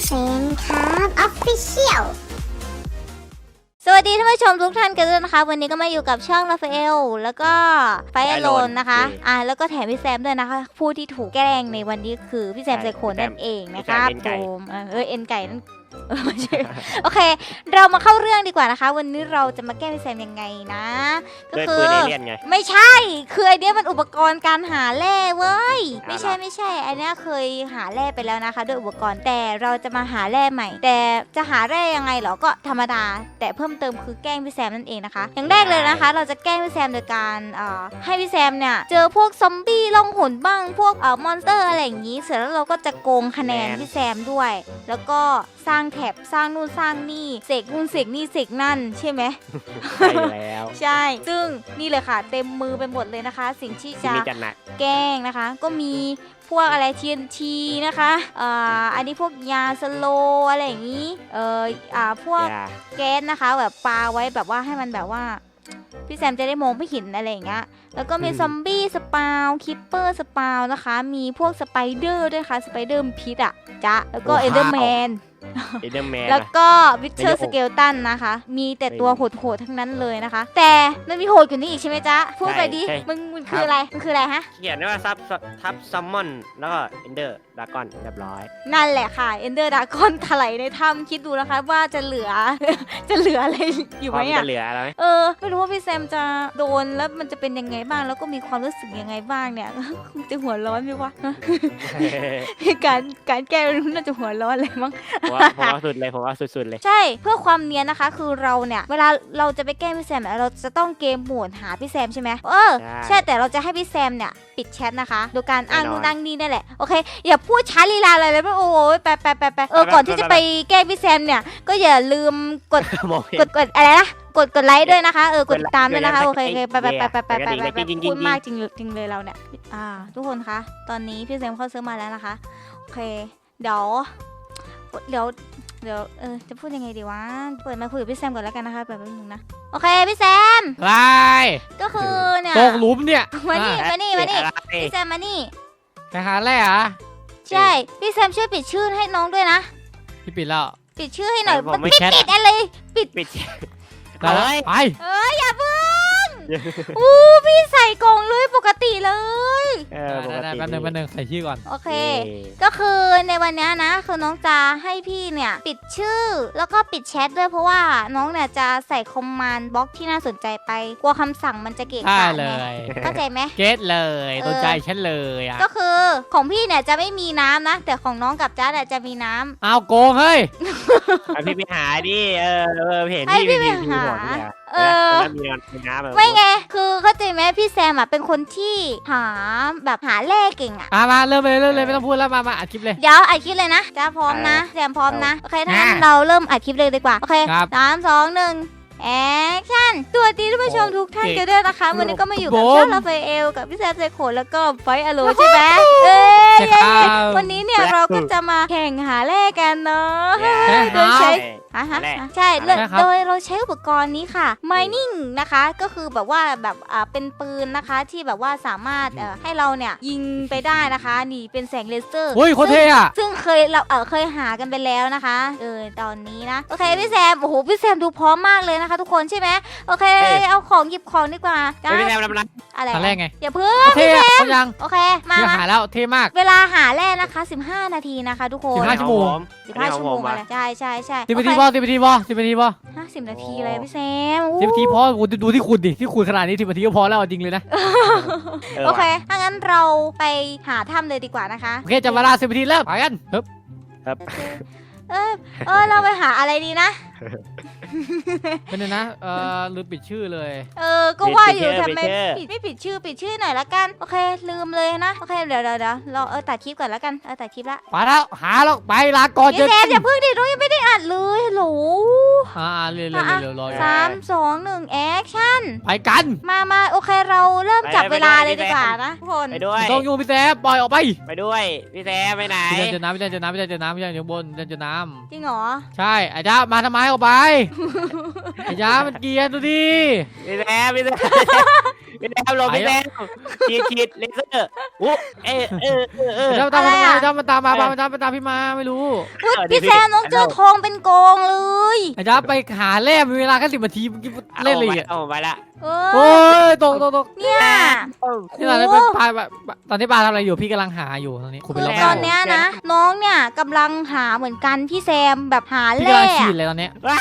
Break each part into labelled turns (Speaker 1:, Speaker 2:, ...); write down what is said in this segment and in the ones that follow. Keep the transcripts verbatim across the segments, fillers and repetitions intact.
Speaker 1: เฟนครับออฟฟิเชียล
Speaker 2: สวัสดีท่านผู้ชมทุกท่านกันด้วยนะคะวันนี้ก็มาอยู่กับช่องราฟาเอลแล้วก็ไฟอโลนนะคะอ่าแล้วก็แถมพี่แซมด้วยนะคะผู้ที่ถูกแกล้งในวันนี้คือพี่แซมไซโคนนั่นเองนะคะโดมเออเอ็นไก่นั่นไม่ใช่โอเคเรามาเข้าเรื่องดีกว่านะคะวันนี้เราจะมาแกล้งพี่แซมยังไงนะก็คือไม่ใช่คือไอเนี้ยมันอุปกรณ์การหาแร่เว้ยไม่ใช่ไม่ใช่ไอเนี้ยเคยหาแร่ไปแล้วนะคะด้วยอุปกรณ์แต่เราจะมาหาแร่ใหม่แต่จะหาแร่ยังไงเหรอก็ธรรมดาแต่เพิ่มเติมคือแกล้งพี่แซมนั่นเองนะคะอย่างแรกเลยนะคะเราจะแกล้งพี่แซมโดยการเอ่อให้พี่แซมเนี่ยเจอพวกซอมบี้ล่องหนบ้างพวกเอ่อมอนสเตอร์อะไรอย่างนี้เสร็จแล้วเราก็จะโกงคะแนนพี่แซมด้วยแล้วก็สร้างแถบสร้างนู่นสร้างนี่เสกนู่นเสกนี่เสกนั่นใช่ไหม
Speaker 3: ใช่แล้ว
Speaker 2: ใช่ซึ่งนี่เลยค่ะเต็มมือไปหมดเลยนะคะสิ่งที่จะแกล้งนะคะก็มีพวกอะไร ที เอ็น ที นะคะอ่าอันนี้พวกยาสโลอะไรอย่างนี้เอ่ออ่าพวกแก๊สนะคะแบบปาไว้แบบว่าให้มันแบบว่าพี่แซมจะได้มองไม่เห็นอะไรอย่างเงี้ยแล้วก็มีซอมบี้สปาวคิปเปอร์สปาวนะคะมีพวกสไปเดอร์ด้วยค่ะสไปเดอร์พิษอ่ะจ้ะแล้วก็เอเดอร์แมนแล้วก็วิเทอร์สเกลตันนะคะมีแต่ตัวโหดๆทั้งนั้นเลยนะคะแต่มันมีโหดกว่านี้อีกใช่ไหมจ๊ะพูดไปดิมึงมันคืออะไรมันคืออะไรฮะ
Speaker 3: เขียนว่าซับทับซัมมอนแล้วก็เอนเดอร์ดากอนเรียบร้อย
Speaker 2: นั่นแหละค่ะเอนเดอร์ดากอนถลายในถ้ำคิดดูนะคะว่าจะเหลือจะเหลืออะไรอยู่ไหมอ่ะ
Speaker 3: จะเหลืออะไร
Speaker 2: เออไม่รู้ว่าพี่แซมจะโดนแล้วมันจะเป็นยังไงบ้างแล้วก็มีความรู้สึกยังไงบ้างเนี่ยคงจะหัวร้อนไหมวะการการแก้น่าจะหัวร้อนเลยมั้ง
Speaker 3: ผมว่าสุดเลยผมว่าสุดๆเลย
Speaker 2: ใช่เพื่อความเนียนนะคะคือเราเนี่ยเวลาเราจะไปแกล้งพี่แซมเราจะต้องเกมโหมดหาพี่แซมใช่ไหมเออใช่แต่เราจะให้พี่แซมเนี่ยปิดแชทนะคะโดยการอ้างนู่นอ้างนี่นั่นแหละโอเคอย่าพูดช้าลีลาอะไรเลยโอ้ยไปไปไปไปเออก่อนที่จะไปแกล้งพี่แซมเนี่ยก็อย่าลืมกดกดกดอะไรนะกดกดไลค์ด้วยนะคะเออกดตามด้วยนะคะโอเคไปไปไปไปไปไปไปพูดมากจริงจริงเลยเราเนี่ยอ่าทุกคนคะตอนนี้พี่แซมเข้าเซิร์ฟมาแล้วนะคะโอเคเดี๋ยวเดี๋ยวเดี๋ยวเออจะพูดยังไงดีวะเปิดมาคุยกับพี่แซมก่อนแล้วกันนะคะแบบนึงนะโอเคพี่แซม
Speaker 4: อะไร
Speaker 2: ก็คือเนี่ย
Speaker 4: ตกหลุมเนี่ย
Speaker 2: มานี่มานี่มานี่พี่แซมมานี่
Speaker 4: ไปหาแร่เหรอ
Speaker 2: ใช่พี่แซมช่วยปิดชื่อให้น้องด้วยนะ
Speaker 4: พี่ปิดแล้ว
Speaker 2: ปิดชื่อให้หน่อยมันไม่ปิดอะไรปิด
Speaker 3: ปิด
Speaker 4: ไปไป
Speaker 2: เอ้ยอย่าเพิ่งอู้พี่ใส่กล่องเลยปกติเลย
Speaker 4: เออปกติแป๊บนึงแป๊บนึงใส่ชื่อก่อน
Speaker 2: โอเคก็คือในวันนี้นะคือน้องจะให้พี่เนี่ยปิดชื่อแล้วก็ปิดแชทด้วยเพราะว่าน้องเนี่ยจะใส่คอมมานด์บล็อกที่น่าสนใจไปกลัวคำสั่งมันจะเกะกะ
Speaker 4: เลย
Speaker 2: เข้าใจไหม
Speaker 4: เก็ตเลยสนใจฉันเลยอ่ะ
Speaker 2: ก็คือของพี่เนี่ยจะไม่มีน้ำนะแต่ของน้องกับจ๊าเนี่ยจะมีน้ำ
Speaker 4: เอาโกงเฮ้ย
Speaker 3: พี่ไปหาดิเออเห็น
Speaker 2: พี่ไปหาเออไม่ไงคือเข้าใจไหมพี่แซมอ่ะเป็นคนที่หาแบบหาแร่เก่งอ่ะ
Speaker 4: มามาเริ่มเลยเริ่มเลยไม่ต้องพูดแล้วมามาอัดคลิปเลย
Speaker 2: เดี๋ยวอัดคลิปเลยนะจ้าพร้อมนะแซมพร้อมนะโอเคถ้างั้นเราเริ่มอัดคลิปเลยดีกว่าโอเคสามสองหนึ่งแอคชั่นตัวดีท่านผู้ชมทุกท่านกันด้วยนะคะวันนี้ก็มาอยู่กับช่องราฟาเอลกับพี่แซมไซโคแล้วก็ไฟอโลใช่ไหมเอ้ยวันนี้เนี่ยเราก็จะมาแข่งหาแร่กันเนาะโดยใช้อ่ะฮะใช่โดยเราใช้อุปกรณ์นี้ค่ะ mining นะคะก็คือแบบว่าแบบอ่าเป็นปืนนะคะที่แบบว่าสามารถเอ่อให้เราเนี่ยยิงไปได้นะคะนี่เป็นแสงเลเซอร์
Speaker 4: เฮ้ยโคตรเท่อะ
Speaker 2: ซึ่งเคยเราเออเคยหากันไปแล้วนะคะเออตอนนี้นะโอเคพี่แซมโอ้โหพี่แซมดูพร้อมมากเลยนะคะทุกคนใช่ไหมโอเคเอาของหยิบของดีกว่า
Speaker 3: พี่แซมทำอะไร
Speaker 2: อะไร
Speaker 4: อะไรไง
Speaker 2: อย่าเพิ่ง
Speaker 4: พี่แซมยัง
Speaker 2: โอเคมา
Speaker 4: หาแล้วเท่มาก
Speaker 2: เวลาหาแร่นะคะสิบห้านาทีนะคะทุกคน
Speaker 4: สิบห้าชั่วโมง
Speaker 2: สิบห้าชั่วโมงอะไรใช่ใช่ใช่
Speaker 4: สิบนาทีพอสิบนาทีพอสิบนาทีพอ
Speaker 2: ห้าสิบนาทีเลยพี่แซม
Speaker 4: สิบนาทีพอดูที่คุณดิที่คุณขนาดนี้สิบนาทีก็พอแล้วจริงเลยนะ
Speaker 2: โอเคถ้างั้นเราไปหาถ้ำเลยดีกว่านะคะ
Speaker 4: โอเคจะเวลาสิบนาทีแล้วไปกันครับ
Speaker 3: ครับ
Speaker 2: เออเออเราไปหาอะไรดีนะ
Speaker 4: เป็นไงนะเออลืมปิดชื่อเลย
Speaker 2: เออก็ว่าอยู่ทำไมปิดไม่ปิดชื่อปิดชื่อหน่อยละกันโอเคลืมเลยนะโอเคเดี๋ยวเดี๋ยวเดี๋ยวเราเออตัดคลิปก่อนละกันเออตัดคลิปละ
Speaker 4: ไปแล้วหาแล้วไปลาก่อน
Speaker 2: เจออย่าเพิ่งดิเรายังไม่ได้อัดเลยฮัลโหล
Speaker 4: อ่าเร็วเร็วเร็วรอ
Speaker 2: สามสองหนึ่งแอคชั่น
Speaker 4: ไปกัน
Speaker 2: มามาโอเคเราเริ่มจับเวลาเลยดีกว่านะทุกคน
Speaker 3: ไปด้วย
Speaker 4: ต้องอยู่พี่แซมปล่อยออกไป
Speaker 3: ไปด้วยพี่แซมไปไหน
Speaker 4: พี่แซมเจอน้ำพี่แซมเจอน้ำพี่แซมเจอน้ำพี่แซมอยู่บนพี่แซมเจอน้
Speaker 2: ำจริงเหรอ
Speaker 4: ใช่ไอ้จ้ามาทำไมออกไปไอ้จ้ามันเกียร์ดูดิ
Speaker 3: พี่แซมพี่แซมพี่แซมลงพี่แซมฉีดฉีดเลเซอร์อู้เออเออเออเออ
Speaker 4: เจ้าตามมาเจ้ามาตามมามาตามมาตามพี่มาไม่รู้
Speaker 2: อุ๊ยพี่แซมน้องเจอทองเป็นกองเลย
Speaker 4: ไอ้จ้าไปหาแร่มีเวลาแค่สิบนาทีเมื่อกี้เล่นเลยอ่ะ
Speaker 3: เอาไปละ
Speaker 2: เอ
Speaker 4: โอ้
Speaker 2: อย
Speaker 4: ตกตกตก
Speaker 2: เนี่ย
Speaker 4: นี่ตอนนี้ปลาตอนนี้ปลาทำอะไรอยู่พี่กำลังหาอยู่ตอนนี้ขุด
Speaker 2: คื
Speaker 4: ไป
Speaker 2: อ
Speaker 4: แล้ว
Speaker 2: ตอนเนี้ยนะ น้องเนี่ยกำลังหาเหมือนกันพี่แซมแบบหา
Speaker 4: พี่
Speaker 2: แร่
Speaker 4: กำลังฉีดเลยตอนนี้
Speaker 3: ว้า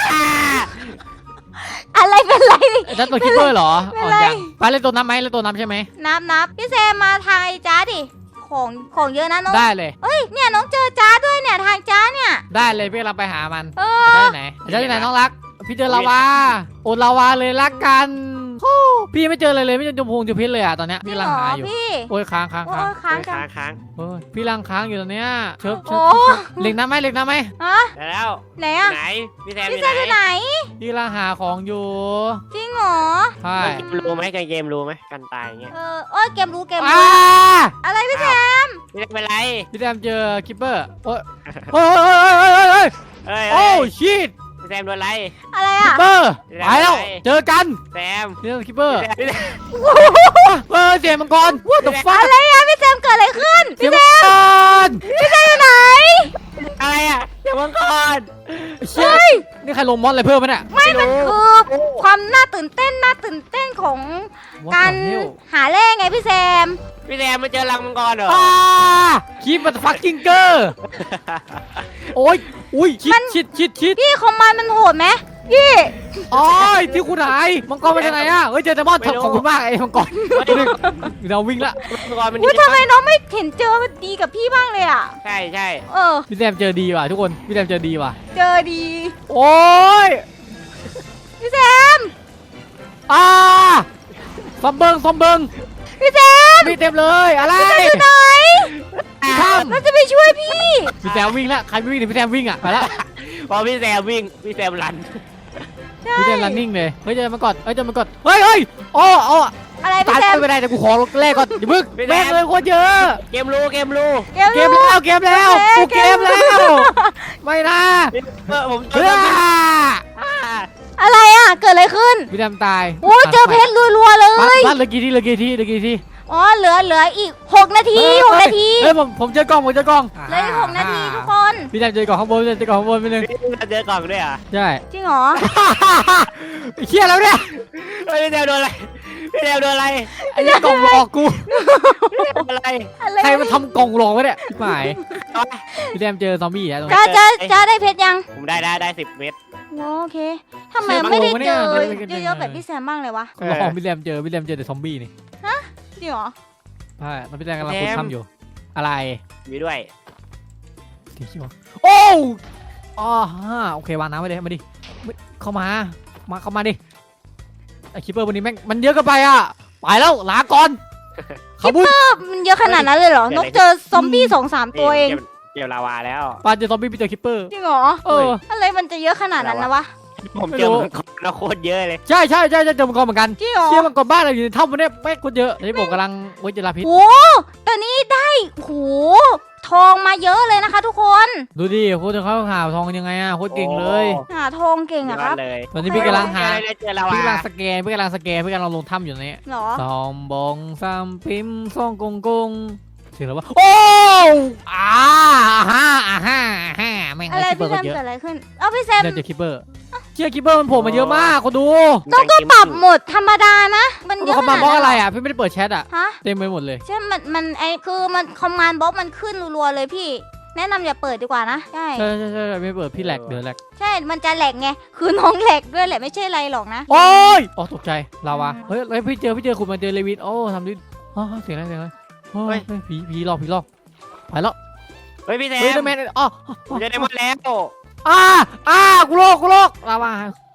Speaker 2: อะไรเป็นไร
Speaker 4: ไอ้จ้าตัวคิปเปอร์เหรอ
Speaker 2: ไม่
Speaker 4: อ๋อ
Speaker 2: เป็นไร
Speaker 4: ยังปลาเล่นตัวน้ำไหมเล่นตัวน้ำใช่ไหม
Speaker 2: นับนับพี่แซมมาทางไอ้จ้าดิของของเยอะนะน้อง
Speaker 4: ได้เลย
Speaker 2: เอ้ยเนี่ยน้องเจอจ้าด้วยเนี่ยทางจ้าเนี่ย
Speaker 4: ได้เลยพี่กำลังไปหามัน
Speaker 2: เอ
Speaker 4: ไอ้
Speaker 2: อ
Speaker 4: จ้าที่ไหนไอ้จ้าที่ไหนน้องรักพี่เจอลาวาโอนลาวาเลยรักกันโอ้พี่ไม่เจอเลยเลยไม่เจอจมพงจมพิษเลยอ่ะตอนเนี้ย
Speaker 2: จริ
Speaker 4: พี่
Speaker 2: ง
Speaker 4: กำลั
Speaker 2: เห
Speaker 4: ง
Speaker 2: รอ
Speaker 4: หาอยู่
Speaker 2: พี่
Speaker 4: โอ้ยค้างค้าง
Speaker 2: โอ้
Speaker 4: ค้าง
Speaker 2: ยค้างจัง
Speaker 3: ค้างค้าง
Speaker 4: โอ้ยพี่ลังค้างอยู่ตอนเนี้ยเชิบเชิ
Speaker 2: โอ้
Speaker 4: บเหล็กน้ำไหมเหล็กน้ำไหม
Speaker 2: ฮะ
Speaker 3: แล้ว
Speaker 2: ไหนอะ
Speaker 3: ไหนพี่แซมอ
Speaker 2: พี่
Speaker 3: ยู่
Speaker 2: แซมอยู่
Speaker 3: ไห
Speaker 2: ไห
Speaker 3: น
Speaker 2: น
Speaker 4: พี่กำลังหาของอยู่
Speaker 2: จริงเหรอ
Speaker 4: ใช่
Speaker 3: เกมรู้ไหมเกมรู้ไหมกันตายอย่างเงี้ย
Speaker 2: เออโอ้ยเกมรู้เกม
Speaker 4: อ้า
Speaker 2: รู้อะไรพี่แซม
Speaker 3: พี่แซมเป็นไร
Speaker 4: พี่แซมเจอคิปเปอร์โอ้ยโอ้ยโอ้ยโอ้ยโอ้ยโอ้ย
Speaker 3: เอ้ย
Speaker 4: โอ้ชิต
Speaker 3: พี่แซมโดนไร
Speaker 2: อะไร
Speaker 4: คิป
Speaker 2: อะ
Speaker 4: เปอร์ไปแล้วเจอกัน
Speaker 3: แซม
Speaker 4: นี่คิปเปอร์
Speaker 3: พี่แซม
Speaker 4: เออเสียงมังกร what the fuck
Speaker 2: อะไรอะพี่แซมเกิดอะไรขึ้น
Speaker 4: เสียงมังกร
Speaker 2: พี่แซมอยู่ไหน
Speaker 3: อะไรอ่ะเดี๋ยวมังกร
Speaker 4: เชี่ยนี่ใครลงมอสอะไรเพิ่มไหมเนี่ย
Speaker 2: ไม่มันคือความน่าตื่นเต้นน่าตื่นเต้นของ
Speaker 4: What
Speaker 2: การ
Speaker 4: the hell
Speaker 2: หาแร่ไงพี่แซม
Speaker 3: พี่แซมมาเจอรังมังกรเหรอ
Speaker 4: อ่าคีบมันฟักกิ้งเกอร์โอ้ยอุ้ยชิดชิดชิดชิด
Speaker 2: พี่ของมันมันโหดไหมพี่
Speaker 4: โอ้ยที่คุณหายมังกรมาจากไหนอ่ะเฮ้ยเจอแต่มอสขอบคุณมากไอ้มังกรเราวิ่งละ
Speaker 3: มังกรมัน
Speaker 2: อุ้ย
Speaker 3: ดี
Speaker 2: ทำไมน้องไม่เห็นเจอดีกับพี่บ้างเลยอ่ะ
Speaker 3: ใช่ใช่
Speaker 2: เออ
Speaker 4: พี่แซมเจอดีว่ะทุกคนพี่แซมเจอดีว่ะ
Speaker 2: เจอดี
Speaker 4: โอ้ย
Speaker 2: พี่แซม
Speaker 4: อ่าซอมเบิงซอมเบิง
Speaker 2: พี่แซม
Speaker 4: มีเต็มเลยอะไร
Speaker 2: อยู่ไหน
Speaker 4: ข้าม
Speaker 2: เราจะไปช่วยพี่
Speaker 4: พี่แซมวิ่งละใครไม่วิ่งเดี๋ยวพี่แซมวิ่งอ่ะไปละ
Speaker 3: พอพี่แซมวิ่งพี่แซมรัน
Speaker 4: พี่แซม running เลยเฮ้ยเจอมันก่อนเฮ้ยเจอมันก่อนเฮ้ยเฮ้ยโอ้โอ้
Speaker 2: อะไร
Speaker 4: ตา
Speaker 2: พี่
Speaker 4: ย
Speaker 2: แซม
Speaker 4: ไม่ได้แต่กูขอแรกก่อนอย่าบึกแม่งเลยโคตรเยอะ
Speaker 3: เกมรู้เกมรู้
Speaker 2: เกม
Speaker 4: เกมแล้วเกมแล้วกูเกมแล้วไม่นะ
Speaker 3: เออผม
Speaker 4: เฮ้ย
Speaker 2: อะไรอ่ะเกิดอะไรขึ้น
Speaker 4: พี่แซมตาย
Speaker 2: โอ้ยเจอเพชรรัวๆเล
Speaker 4: บ้าน
Speaker 2: ย
Speaker 4: บ้านเหลือกี่ทีเหลือกี่ทีเหลือกี่ที
Speaker 2: อ๋อเหลือเหลืออีกหกนาทีหกนาที
Speaker 4: เฮ้ยผมผมเจอกล้องผมเจอกล้อง
Speaker 2: เหลืออีกหกนาทีทุกคน
Speaker 4: พี่แซมเจอกล่องข้างบนพี่แซมเจอกล่องข้างบนไปหนึ่ง
Speaker 3: พี่เจอกล่องด้วยอ่ะ
Speaker 4: ใช่
Speaker 2: จริงเหรอ
Speaker 4: เชี่ยแล้วเนี่ย
Speaker 3: เฮ้ยพี่แซมโดนอะไรพี่แซมโดนอะไร
Speaker 4: ไอ้กล่องหลอกกู
Speaker 3: พี่แซมโดนอะไร
Speaker 2: อะไร
Speaker 4: ใครมาทำกล่องหลอกวะเนี่ยพี่หมายพี่แซมเจอซอมบี้อะตรงนี้
Speaker 2: จ้าจ้าจ้าได้เพชรยัง
Speaker 3: ผมได้ได้ได้สิบเม็ด
Speaker 2: โอเคทำไมไม่ได้เจอเยอะๆแบบพี่แซมบ้างเลยวะ
Speaker 4: ลองพี่แซมเจอพี่แซมเจอแต่ซอมบี้นี่
Speaker 2: จริงเหรอ
Speaker 4: ใช่แล้วพี่แซมกำลังคุยทำอยู่อะไร
Speaker 3: มีด้วย
Speaker 4: สีเขียวโอ้อ๋อฮะโอเควางน้ำไว้เลยมาดิเข้ามามาเข้ามาดิไอคิปเปอร์วันนี้แม่งมันเยอะเกินไปอ่ะไปแล้วลาก่อนขบุญ
Speaker 2: มันเยอะขนาดนั้นเลยเหรอนกเจอซอมบี้สองสามตัวเอง
Speaker 3: เกี่ยวลาวาแล้ว
Speaker 4: ปาเจอซอมบี้พี่เจอคิปเปอร์
Speaker 2: จริงเหรอ
Speaker 4: เออ
Speaker 2: อะไรมันจะเยอะขนาดนั้นนะวะ
Speaker 3: ผมเจอมังกรแล้วโคตรเยอะเลย
Speaker 4: ใช่ใช่ใช่ใช่เจอมังกรเหมือนกัน
Speaker 2: จริงเหรอ
Speaker 4: เชี่ยมังกรบ้านเราอยู่ในถ้ำมันเนี่ยแม่งคนเยอะตอนนี้ผมกำลังเว้ยเจอลาพิษ
Speaker 2: โหตอนนี้ได้โหทองมาเยอะเลยนะคะทุกคน
Speaker 4: ดูดิโคตรเขาหาทองกันยังไงอ่ะโคตรเก่งเลย
Speaker 2: หาทองเก่งอะครับ
Speaker 3: เลย
Speaker 4: ตอนนี้พี่กำลังหา
Speaker 3: เจอลาวา
Speaker 4: พี่กำลังสแกนพี่กำลังสแกนพี่กำลังลงถ้ำอยู่เนี่ย
Speaker 2: เหรอ
Speaker 4: ซอมบองซัมพิมซ่องกงกงเสียงแล้ววะโอ้อ่าฮ่าอ่าฮ่าอ่าฮ่าแม่ง
Speaker 2: อะไร
Speaker 4: คิปเปอ
Speaker 2: พี่
Speaker 4: ร์
Speaker 2: แซ
Speaker 4: ก็
Speaker 2: ม
Speaker 4: เยอะ
Speaker 2: เกิดอะไรขึ้น เอาพี่แซม
Speaker 4: เดี๋ยวเจอคิปเปอร์เชี่ยคิปเปอร์มันโผล่มาเยอะมากคนดู
Speaker 2: ต้องก็ปรับโหมดธรรมดานะ มันเยอะ
Speaker 4: เขา
Speaker 2: ข
Speaker 4: มา
Speaker 2: นาด
Speaker 4: บล็อก
Speaker 2: นั้น
Speaker 4: อะไร
Speaker 2: เหรอ
Speaker 4: อ่ะพี่ไม่ได้เปิดแชทอ่ะ
Speaker 2: ฮะ
Speaker 4: เต็มไปหมดเลย
Speaker 2: ใช่มันมันไอคือมันคอมมานด์บล็อกมันขึ้นรัวๆเลยพี่ แนะนำอย่าเปิดดีกว่านะ ใช่
Speaker 4: ใช่ใช่ใช่ไม่เปิดพี่แหลกเดือดแหลก
Speaker 2: ใช่ มันจะแหลกไง คือน้องแหลกด้วยแหละไม่ใช่อะไรหรอกนะ
Speaker 4: โอ้ยอ๋อตกใจลาวาเฮ้ยเฮ้ยพี่เจอพี่เจอคุณมาเจอเลวินโอ้ทำดิอ๋อเสียงอะไรเสียงอะไรเฮ้ยผีผีหลอกผีหลอกไปแล้ว
Speaker 3: เฮ้ยพี่แซ
Speaker 4: เฮ้ย
Speaker 3: ม
Speaker 4: เดอะแมนอ๋อ
Speaker 3: ผมจะได้หมดแล้ว
Speaker 4: อ่าอ่ากูโลกกูโลกลาวา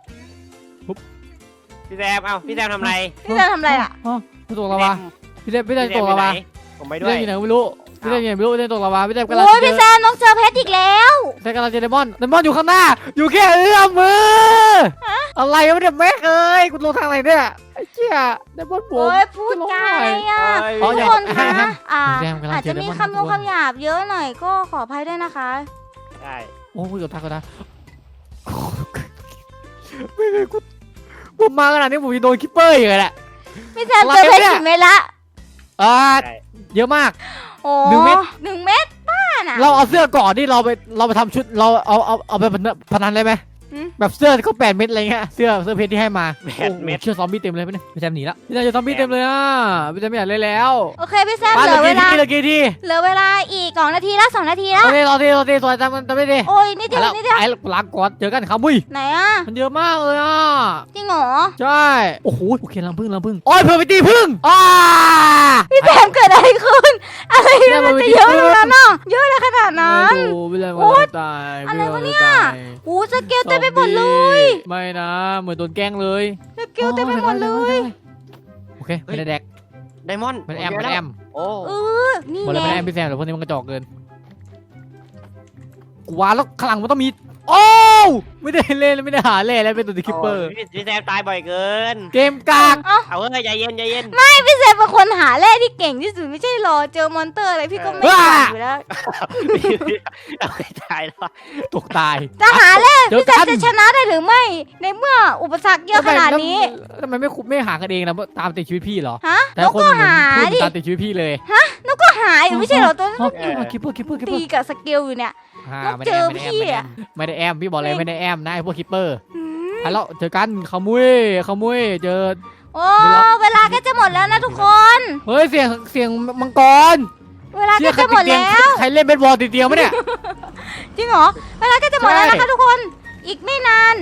Speaker 3: พี่แซมเอ้าพี่แซมทำไร
Speaker 2: พี่จะทำอะไรอ่ะ
Speaker 4: อ๋อพี่ตกลาวาพี่เต้พี่เต้ตกลาวา
Speaker 3: ผมไป
Speaker 4: พี่
Speaker 3: ด้ว
Speaker 4: เต้
Speaker 3: ย
Speaker 4: อยู่ไหนไม่รู้พี่เต้อยู่ไหนไม่รู้พี่เต้ตกลาวาพี่เต้กำลัง
Speaker 2: โอ้ย
Speaker 4: เจ
Speaker 2: พี่
Speaker 4: อ
Speaker 2: แซมน้องเจอเพชรอีกแล้ว
Speaker 4: เต้กำลังเจอเดมอนเดมอนอยู่ข้างหน้า อยู่แค่เอื้อมมืออะไรวะเนี่ยแม่เอ้ยกูลงทางไหนเนี่ยไอ้เจี๊ยเดมอนผ
Speaker 2: โอ้
Speaker 4: ม
Speaker 2: ยพูดจาอะไรอ่ะ
Speaker 4: อ๋อ
Speaker 2: ทุ
Speaker 4: อก ย่า
Speaker 2: คนคะ
Speaker 4: ห้าม
Speaker 2: อ่า
Speaker 4: แซมกำลัง
Speaker 2: อาจ
Speaker 4: เจอ
Speaker 2: จะ
Speaker 4: เด
Speaker 2: มี
Speaker 4: มอน
Speaker 2: คำนงคำหยาบเยอะหน่อยก็ขออภัยด้วยนะคะ
Speaker 3: ใช่
Speaker 4: โอ้คุยกับทักก็ได้ไม่เคยกูผมมาขนาดนี้ผมจะโดนคิปเปอร์อีกแหละ
Speaker 2: พี่แซมเจอเพชรกี่เม็ดละ
Speaker 4: อ่า
Speaker 3: ใช่
Speaker 4: เยอะมาก
Speaker 2: โอ้
Speaker 4: หนึ่งเม็ด
Speaker 2: หนึ่งเม็ดบ้าน่ะ
Speaker 4: เราเอาเสื้อก่อนที่เราไปเราไปทำชุดเราเอาเอาเอาไปพนันได้ไหม
Speaker 2: หืม
Speaker 4: แบบเสื้อเขาแปดเม็ดอะไรเงี้ยเสื้อเสื้อเพชรที่ให้มา
Speaker 3: แปดเม็ด
Speaker 4: โอ้โหเชื่อซอมบี้เต็มเลยพี่เนี่ยพี่แซมหนีแล้วพี่แซมเจอซอมบี้เต็มเลยอ่ะพี่แซมไม่อยากเล่นแล้ว
Speaker 2: โอเคพี่แซม
Speaker 4: มา
Speaker 2: เห
Speaker 4: เห
Speaker 2: ลื
Speaker 4: ลื
Speaker 2: อ
Speaker 4: อ
Speaker 2: เว
Speaker 4: กี่
Speaker 2: ลา
Speaker 4: ทีเหลือกี่ที
Speaker 2: เหลือเวลาอีกสองนาทีละสองนาทีละ
Speaker 4: โอเครอทีรอทีสวยจำมันจำไม่ดี
Speaker 2: โอ้ยนิดเดียว
Speaker 4: แล้ว
Speaker 2: นิดเดียว
Speaker 4: ไอ้ล้างก่อนเจอกันครับบุ้ย
Speaker 2: ไหนอ่ะ
Speaker 4: มันเยอะมากเลยอ่ะ
Speaker 2: จริงเหรอ
Speaker 4: ใช่โอ้โหโอเคลังพึ่งลังพึ่งโอ้ยเพิ่มไปตีพึ่งอ่า
Speaker 2: พี่แซมเกิดอะไรขึ้นอะไร
Speaker 4: พี่แซ
Speaker 2: นะ
Speaker 4: ม
Speaker 2: มัน
Speaker 4: มัน
Speaker 2: จะ
Speaker 4: ไป
Speaker 2: เยอะ
Speaker 4: ที่
Speaker 2: ขนาดนั้นอ่ะเยอะเลยขนาดนั้น
Speaker 4: โอ้พี่แซม
Speaker 2: โอ๊
Speaker 4: มัน
Speaker 2: ย
Speaker 4: ตาย
Speaker 2: อะไรวะ
Speaker 4: พี่
Speaker 2: เนี่ย
Speaker 4: แซมมันตาย
Speaker 2: โอ้สเกลเต็มไปหมดเลย
Speaker 4: ไม่นะเหมือนโดนแกล้งเลย
Speaker 2: สเกลเต็มไปหมดเลย
Speaker 4: โอเคไม่ได้แดก
Speaker 3: ไดมอนด์
Speaker 4: มันแอม
Speaker 3: ผ
Speaker 4: มัน
Speaker 3: เจ
Speaker 4: แอ
Speaker 3: แล้ว
Speaker 4: ม
Speaker 3: โอ้
Speaker 2: เออนี่
Speaker 4: หมดเลย
Speaker 2: ไง
Speaker 4: ไม่ได้แอมพี่แซมแต่พวกนี้มันกระจอกเกินกูว่าแล้วข้างหลังมันต้องมีโอ้วไม่ได้เล่นไม่ได้หาเล่นแล้วเป็นตัวคิปเปอร์
Speaker 3: โพี่พี่แซมตายบ่อยเกิน
Speaker 4: เกมกาก
Speaker 3: เอาเฮ้ยใจเย็นใจเย็น
Speaker 2: พี่แซมเป็นคนหาแร่ที่เก่งที่สุดไม่ใช่หรอเจอมอนเตอร์อะไรพี่ก็ไม่
Speaker 4: ว้า
Speaker 2: เก่งอยู่แล้ว
Speaker 3: เอาไปตายแล้ว
Speaker 4: ตกตาย
Speaker 2: จะหาแร่
Speaker 4: เดี๋ยว
Speaker 2: พี่แซ
Speaker 4: กั
Speaker 2: ม
Speaker 4: น
Speaker 2: จะชนะได้หรือไม่ ในเมื่ออุปสรรคเยอะขนาดนี้
Speaker 4: ทำไมไม่คุไม่หากันเองนะตามติดชีวิตพี่เหรอ
Speaker 2: ฮะ
Speaker 4: แต่
Speaker 2: นก
Speaker 4: คน
Speaker 2: ก็
Speaker 4: เหมือน
Speaker 2: หา
Speaker 4: พูด
Speaker 2: ดิ
Speaker 4: ตามติดชีวิตพี่เลย
Speaker 2: ก็หาอยู่ไม่ใช่เหรอตัวนั้น
Speaker 4: คิปเปอร์คิปเปอร์คิปเปอร์
Speaker 2: ตีกับสเกลอยู่เนี่ย
Speaker 4: อ่า
Speaker 2: แล้ว
Speaker 4: ไม่ได้
Speaker 2: เจ
Speaker 4: แอ
Speaker 2: อ
Speaker 4: ม
Speaker 2: พี่
Speaker 4: ไม่ได้
Speaker 2: อะ
Speaker 4: แอมไม่ได้แอมพี่บอกเลยไม่ได้แอมนะไอ้พวกคิปเปอร์
Speaker 2: อืม
Speaker 4: ไปแล้วเจอกันขโมุยขโมุยเจอ
Speaker 2: โอ้เวลาก็จะหมดแล้วนะทุกคน
Speaker 4: เฮ้ยเสียงเสียงมังกร
Speaker 2: เวลาก็จะหมดแล้ว
Speaker 4: ใครเล่นเบสบอลติดเตียงไหมเนี่ย
Speaker 2: จริงเหรอเวลาก็จะหมดแล้วนะคะทุกคนอีกไม่นาน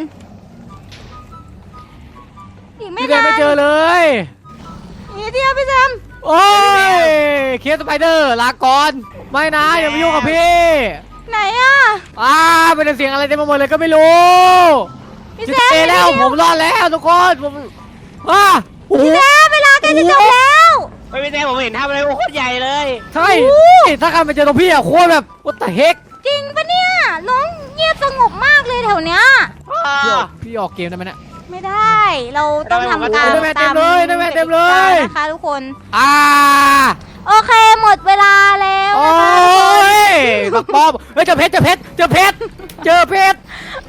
Speaker 2: อีกไม่
Speaker 4: พี่แซม
Speaker 2: นาน
Speaker 4: ไม่เจอเลย
Speaker 2: อีกเดียวพี่แซม
Speaker 4: โอ้ยเคสสไปเดอร์ลาก่อนไม่นะอย่ามายุ่งกับพี่
Speaker 2: ไหนอ่ะ
Speaker 4: อ้าเป็นเสียงอะไรเต็มไปหมดเลยก็ไม่รู้
Speaker 2: พี่
Speaker 4: จะ
Speaker 2: แซม
Speaker 4: เตะแล้วผมรอดแล้วทุกคนผมอ้าโอ้โห
Speaker 2: พี่แซมเวลาใกล้จะจบแล้ว
Speaker 3: ไม่พี่แซมผมเห็นทำอะไรโอ้โคตรใหญ่เลย
Speaker 4: ใช่ถ้าใครมาเจอตรงพี่อะโคตรแบบ what the heck
Speaker 2: จริงปะเนี่ยน้องเงียบสงบมากเลยแถวเนี้ย
Speaker 4: พี่ออกพี่ออกเกมได้ไหมเนี่ย
Speaker 2: ไม่ได้เราต้องทำการ
Speaker 4: ได้ไหมเต็มเลยได้ไหมเต็มเลย
Speaker 2: นะคะทุกคน
Speaker 4: อ่า
Speaker 2: โอเคหมดเวลาแล้ว
Speaker 4: โอ้
Speaker 2: นะคะทุกคน
Speaker 4: ยบักปอมเฮ้ยเจอเพชรเจอเพชรเจอเพชรเจอเพชร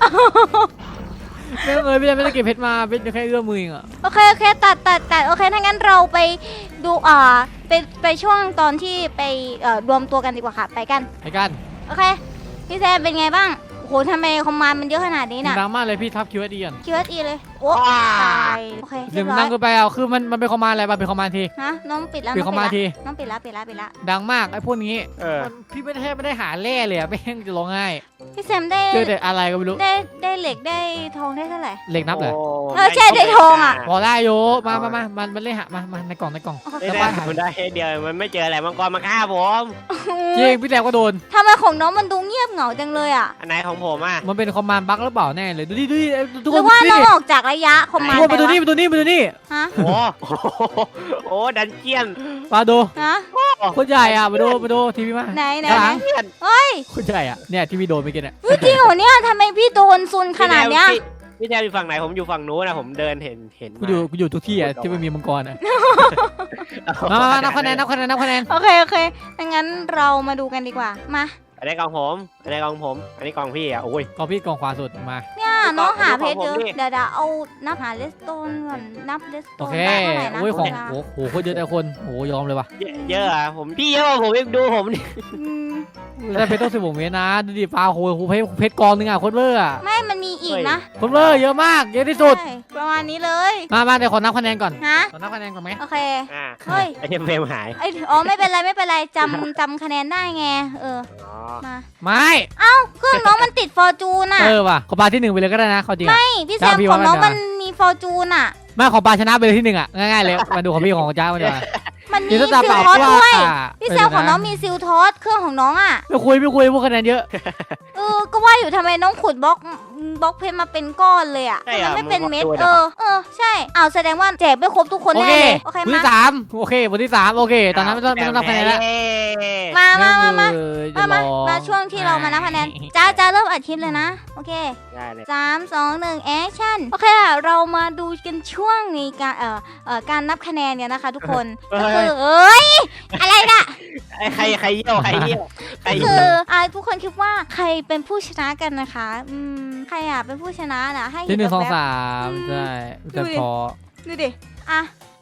Speaker 4: ไม่ต้องเอ่ยพี่แซมไม่ได้เก็บเพชรมาเพชรแค่เอื้อมมือเองอะ
Speaker 2: โอเคโอเคตัดตัดตัดโอเคถ้างั้นเราไปดูอ่าไปไปช่วงตอนที่ไปเอ่อรวมตัวกันดีกว่าค่ะไปกัน
Speaker 4: ไปกัน
Speaker 2: โอเคพี่แซมเป็นไงบ้างโอ้โหทำไมคอมมานด์มันเยอะขนาดนี้น่ะ
Speaker 4: ดังมากเลยพี่ทับคิวเอสดีกัน
Speaker 2: คิวเอสอีเลยโอ้
Speaker 3: ว้า
Speaker 2: ตายโอเค
Speaker 4: เดี๋
Speaker 2: เรี
Speaker 4: ย
Speaker 2: ยว บ
Speaker 4: มัน
Speaker 2: ร้อ
Speaker 4: ดั
Speaker 2: ย
Speaker 4: งเกินไปอ่ะคือมันมันเป็นคอมมานด์อะไรมันเป็นคอมมานด์ที
Speaker 2: ฮะน้องปิดแล้ว
Speaker 4: ปิด
Speaker 2: น้อง
Speaker 4: คอมมานด์ที
Speaker 2: น้องปิดแล้วปิดแล้วปิดแล้ว
Speaker 4: ดังมากไอ้พวกนี้
Speaker 3: เออ
Speaker 4: มันพี่ไม่ได้แทบไม่ได้หาแร่เลยอะไม่งจะร้องไห้
Speaker 2: พี่แซมได้
Speaker 4: เจอแต่อะไรก็ไม่รู้
Speaker 2: ได้ได้เหล็กได้ทองได้เท่าไหร่
Speaker 4: เหล็กนับเลย
Speaker 3: โ
Speaker 2: เออใช่ได้ทองอะ
Speaker 4: พอได้โยมามามามันมันเล่นหามามาในกล่องในกล่อง
Speaker 2: โอเค
Speaker 3: ไม่ได้มันได้เดียวมันไม่เจออะไรมังกรมาฆ่าผม
Speaker 4: จริงพี่แซมก็โดน
Speaker 2: ทำไมของน้องมันดูเงียบเหงาจังเลยอ่ะ
Speaker 3: อันไหนของผมอ่ะ
Speaker 4: มันเป็นคอมมานด์บั๊กหรือเปล่าแน่เลยดูดิดูดิทุก
Speaker 2: ห
Speaker 4: ค
Speaker 2: รื
Speaker 4: น
Speaker 2: อว่า
Speaker 4: ดู
Speaker 2: น้
Speaker 4: ดิ
Speaker 2: องออกจากระยะคอมมาน
Speaker 4: ทุก
Speaker 2: ด์
Speaker 4: คน
Speaker 2: ไป
Speaker 4: มาดูนี่
Speaker 2: วะ
Speaker 4: มาดูนี่มาดูนี่
Speaker 2: ฮะ
Speaker 3: โอ้โหโอ้ดันเจียน
Speaker 4: มาดู
Speaker 2: ฮะ
Speaker 4: โคนใหญ่อ่ะมาดูมาดูทีวีมา
Speaker 2: ไหนไหน
Speaker 4: ข้างห
Speaker 2: ไหน
Speaker 4: ลัง
Speaker 2: เฮ้ย
Speaker 4: โคนใหญ่อ่ะเนี่ยที่พี่โดนเมื่อกี้เนี่ย
Speaker 2: เฮ้ยจริงเหรอเนี่ยทำไมพี่โดนซุนขนาดเนี้ย
Speaker 3: พี่พี่แซมอยู่ฝั่งไหนผมอยู่ฝั่งนู้นนะผมเดินเห็นเห็น
Speaker 4: กูอยู่กูอยู่ทุกที่อ่ะที่ไม่มีมังกรอ่ะ
Speaker 3: มา
Speaker 4: มามานับคะแนนนับคะแนนนับคะแนน
Speaker 2: โอเคโอเคดังนั้นเรามาดูกันดีกว่ามา
Speaker 3: อันนี้กล่องผมอันนี้กล่องผม อันนี้กล่องพี่อ่ะโอ้ย
Speaker 4: กองพี่กองขวาสุดมา
Speaker 2: เนี่ยน้องหาเพชรเยอะ
Speaker 3: ของผมนี่
Speaker 2: เดี๋ยวเดี๋ยวเอานับหาเลสโตนก่อนนับเลสโต
Speaker 4: โอน เค
Speaker 2: ได้เท่าไหร่นะ
Speaker 4: โอ้ยของ
Speaker 2: เวลา
Speaker 4: โอ้โหโคตรเยอะแต่คนโอ้โหยอมเลยว่ะ
Speaker 3: เยอะเยอะอ่ะผมพี่เยอะกว่าผมเองดูผมนี่
Speaker 2: อืม
Speaker 4: แต่เพชรต้องสิบหกเมตรนะดูดิปลาโหโหเพชรเพชรกองนึงอ่ะโคตรเวอร์อ่ะ
Speaker 2: ไม่มันมีอีกนะ
Speaker 4: โคตรเวอร์เยอะมากเยอะที่สุด
Speaker 2: ใช่ประมาณนี้เลย
Speaker 4: มามาเดี๋ยวขอนับคะแนนก่อน
Speaker 2: ฮะ
Speaker 4: ขอนับคะแนนก่อนไหม
Speaker 2: โอเค
Speaker 3: อ่า
Speaker 2: เฮ้ย
Speaker 3: ไอเทมเฟรมหาย
Speaker 2: ไอยอ๋อไม่เป็นไรไม่เป็นไรจำจำคะแนนได้ไงเออ
Speaker 3: อ๋อ
Speaker 2: มา
Speaker 4: ไม่
Speaker 2: เครื่องน้องมันติดฟอร์จูนอ่ะ
Speaker 4: เออว่ะขอปลาที่หนึ่งไปเลยก็ได้นะเขาจริงอ่ะ
Speaker 2: ไม่พี่แซม
Speaker 4: จ้าพี่
Speaker 2: ของน้อง
Speaker 4: ว่ามั
Speaker 2: มัน นมีฟอร์จูนอ่ะ
Speaker 4: ไม่ขอปลาชนะไปเลยที่หนึ่งอ่ะง่ายๆเลยมาดูของพี่ของจ้ามาดีกว่า
Speaker 2: มันมี
Speaker 4: เดี๋ยว
Speaker 2: ซิ
Speaker 4: จะ
Speaker 2: ล
Speaker 4: ตา
Speaker 2: ทอส
Speaker 4: เปล่า
Speaker 2: ด้วย
Speaker 4: ว่า
Speaker 2: พี่แซมของน้องมีซิลทอสเครื่องของน้องอ่ะ
Speaker 4: ไม่คุยไม่คุยพวกคะแนนเยอะ
Speaker 2: เออก็ว่าอยู่ทำไมน้องขุดบล็อกบล็อกเพชรมาเป็นก้อนเลยอ่ะ
Speaker 3: ใช่
Speaker 2: ทำ
Speaker 3: เหรอ
Speaker 2: ไมไม่เป็นเม็ด
Speaker 3: มึงบล็อก
Speaker 2: เอ
Speaker 3: ด้วยเหรอ
Speaker 2: อเออใช่อ้าวแสดงว่าแจกไม่ครบทุกคน
Speaker 4: โอ
Speaker 2: แน่
Speaker 4: เค
Speaker 2: เลยโอเค
Speaker 4: บท
Speaker 2: มา
Speaker 4: ที่สามโอเคบทที่สามโอเค ตอนนั้นไม่ต้องไม่ต้องนับคะแนนแล้ว
Speaker 2: มามามามา
Speaker 4: เออ
Speaker 2: มามา
Speaker 4: จะรอ
Speaker 2: มาช่วงที่เรามานับคะแนนจ้าจ้าเริ่มอัดคลิปเลยนะโอเค
Speaker 3: ได้เลย
Speaker 2: สามสองหนึ่งแอคชั่นโอเคค่ะเรามาดูกันช่วงในการเอ่อเอ่อการนับคะแนนกันนะคะ ทุกคนก็คือเอ้ยอะไรน่ะ
Speaker 3: ไอ้ใครใครเยี่ยวใครเยี่ยวใคร
Speaker 2: ก็
Speaker 3: เยี่
Speaker 2: คื
Speaker 3: ย
Speaker 2: อ
Speaker 3: ว
Speaker 2: อ่าทุกคนคิดว่าใครเป็นผู้ชนะกันนะคะอืมใครอ่ะเป็นผู้ชนะนะให้
Speaker 4: ที่หนึ่งสอง
Speaker 2: แบบ
Speaker 4: สามใช่จะพอ
Speaker 2: ดูดิอ่ะ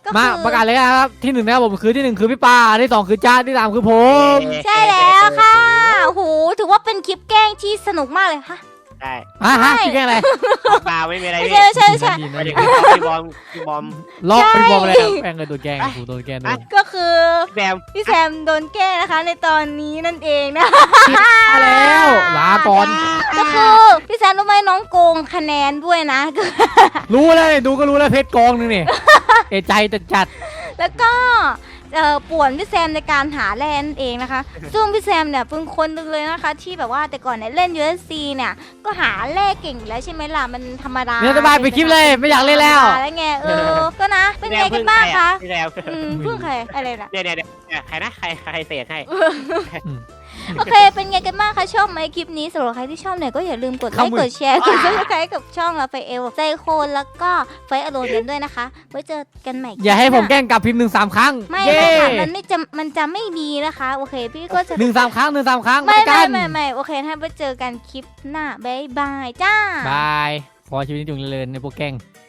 Speaker 2: ก็
Speaker 4: มา
Speaker 2: คือ
Speaker 4: ประกาศเลยนะครับที่หนึ่งนะครับผมคือที่หนึ่งคือพี่ปาที่สองคือจ้าที่สามคือผม
Speaker 2: ใช่แล้วค่ะโอ้โหถือว่าเป็นคลิปแกล้งที่สนุกมากเลยฮะ
Speaker 3: ได้
Speaker 4: อ่ะฮะ
Speaker 2: ใช่
Speaker 4: พี่แกล้งอะไร
Speaker 3: เปล่าไม่มีอะไร
Speaker 2: ไม่
Speaker 3: พี่
Speaker 2: ใช่ใช่ใช่
Speaker 4: ดี
Speaker 3: ไม่
Speaker 4: นะ
Speaker 3: ได้
Speaker 4: ดีนะ
Speaker 3: พี่บอมพี่บอม
Speaker 4: ลอก
Speaker 2: ใช่
Speaker 4: พี่บอมอะไรครับแกล้งเลยโดนแกล้งกูโดนแกล้งโดน
Speaker 2: ก็คือ
Speaker 3: แบม
Speaker 2: พี่แซมโดนแกล้งนะคะ ในตอนนี้นั่นเองนะ
Speaker 4: มาแล้วลาก่อน
Speaker 2: ก็คือพี่แซมรู้ไหมน้องโกงคะแนนด้วยนะ
Speaker 4: รู้เลยดูก็รู้แล้วเพชรกองนึงนี่ เอะใจจัดจัด
Speaker 2: แล้วก็เอ่อป่วนพี่แซมในการหาแร่นั่นเองนะคะ ซึ่งพี่แซมเนี่ยเป็นคนหนึงเลยนะคะ ที่แบบว่าแต่ก่อนเนี่ยเล่น ยู เอฟ ซี เนี่ยก็หาแร่เก่งอยู่แล้วใช่ไหมล่ะมันธรรมดา
Speaker 4: เนี่ยสบายไปคลิปเลยไม่อยากเล่นแล้ว
Speaker 2: ธรรมดาแล้วไงเออก็นะเป็นไงกันบ้างคะ
Speaker 3: พี่แบม
Speaker 2: อืมเพิ่งใครอะไรนะ
Speaker 3: เนี่ยเนี่ยเนี่ยใครนะใครใครเสกให้
Speaker 2: โอเค เป็นไงกันบ้างคะ ชอบไหมคลิปนี้สำหรับใครที่ชอบเนี่ยก็อย่าลืมกดไลค์กดแชร์กดซับสไครต์กับช่องราฟาเอลใจโคนแล้วก็ไฟอโรนกันด้วยนะคะ ไว้เจอกันใหม่
Speaker 4: อย่าให้ผมแกล้งกลับพิมพ์หนึ่งสามครั้ง
Speaker 2: ไม่
Speaker 4: เย้
Speaker 2: ไม่ค่ะมันไม่จะมันจะไม่ดีนะคะ โอเค พี่ก็จะ
Speaker 4: หนึ่งสามครั้งหนึ่งสามครั้ง
Speaker 2: ไม่
Speaker 4: ปกั
Speaker 2: ไม่
Speaker 4: น
Speaker 2: ไม่ไม่โอเคถ้าไปเจอกันคลิปหน้าบายบายจ้า
Speaker 4: บาย ขอชีวิตจงเจริญในพวกแกล้ง